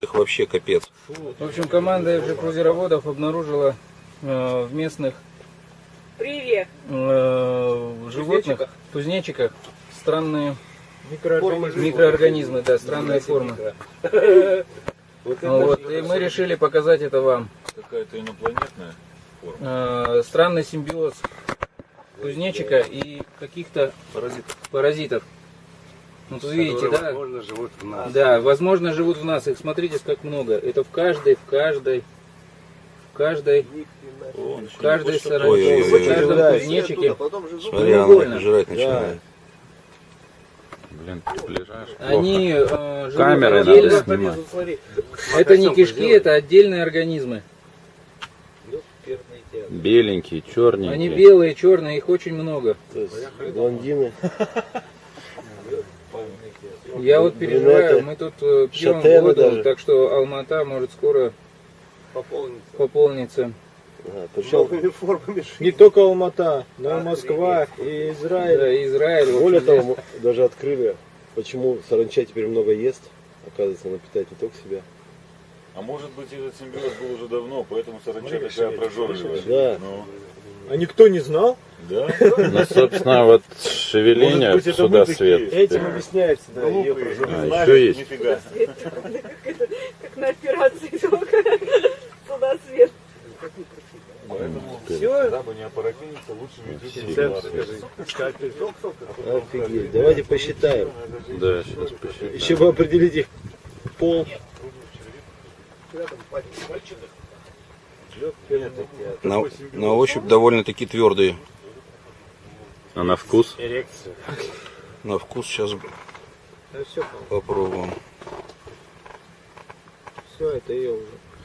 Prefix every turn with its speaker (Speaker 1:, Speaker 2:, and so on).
Speaker 1: их вообще капец.
Speaker 2: В общем, команда крузероводов обнаружила в местных животных, кузнечиках, странные микроорганизмы, да, странные формы. Вот, и мы решили показать это вам.
Speaker 3: Какая-то инопланетная форма.
Speaker 2: Странный симбиоз кузнечика и каких-то паразитов. Вот вы видите, да?
Speaker 4: Возможно, живут в нас.
Speaker 2: Да, возможно, живут в нас. Их смотрите, как много. Это в каждой саранче, в каждом кузнечике.
Speaker 1: Смотри, она жрать начинает.
Speaker 3: Блин, приближаешь.
Speaker 2: Они живут
Speaker 3: Камерой
Speaker 2: отдельно.
Speaker 3: надо снимать.
Speaker 2: Это не кишки, это отдельные организмы.
Speaker 3: Беленькие, черненькие.
Speaker 2: Они белые, черные, их очень много.
Speaker 4: То есть блондины.
Speaker 2: Я вот переживаю, мы тут пьем
Speaker 4: шатены
Speaker 2: воду,
Speaker 4: даже.
Speaker 2: так что Алмата может скоро пополниться.
Speaker 4: Причем
Speaker 5: Не только Алмата, но и Москва, и Израиль.
Speaker 2: Да, и Израиль. в
Speaker 4: более
Speaker 2: общем,
Speaker 4: того, мы даже открыли, почему саранча теперь много ест. Оказывается, она питает не только себя.
Speaker 3: А может быть, этот симбиоз был уже давно, поэтому саранча такая прожорливая.
Speaker 4: Да.
Speaker 3: Ну,
Speaker 5: А никто не знал?
Speaker 3: да.
Speaker 6: Ну, собственно, вот шевеление
Speaker 3: Может быть, это
Speaker 6: сюда
Speaker 3: мы такие.
Speaker 6: свет.
Speaker 5: Этим объясняется, да, ее
Speaker 3: Глупые,
Speaker 5: проживание.
Speaker 3: не
Speaker 6: А,
Speaker 3: знали,
Speaker 6: еще есть.
Speaker 3: нифига.
Speaker 7: Как на операции только сюда свет.
Speaker 5: Все,
Speaker 3: Дабы не опорокиниться, лучше ведите
Speaker 5: рецепт
Speaker 3: регулярно.
Speaker 5: скажи.
Speaker 4: Офигеть. Давайте посчитаем.
Speaker 6: Да, сейчас посчитаем.
Speaker 4: Еще бы определить их пол.
Speaker 1: На ощупь довольно-таки твердые.
Speaker 6: А на вкус?
Speaker 5: Эрекция.
Speaker 1: На вкус сейчас
Speaker 5: Да все,
Speaker 1: попробуем.
Speaker 5: все, это ее уже.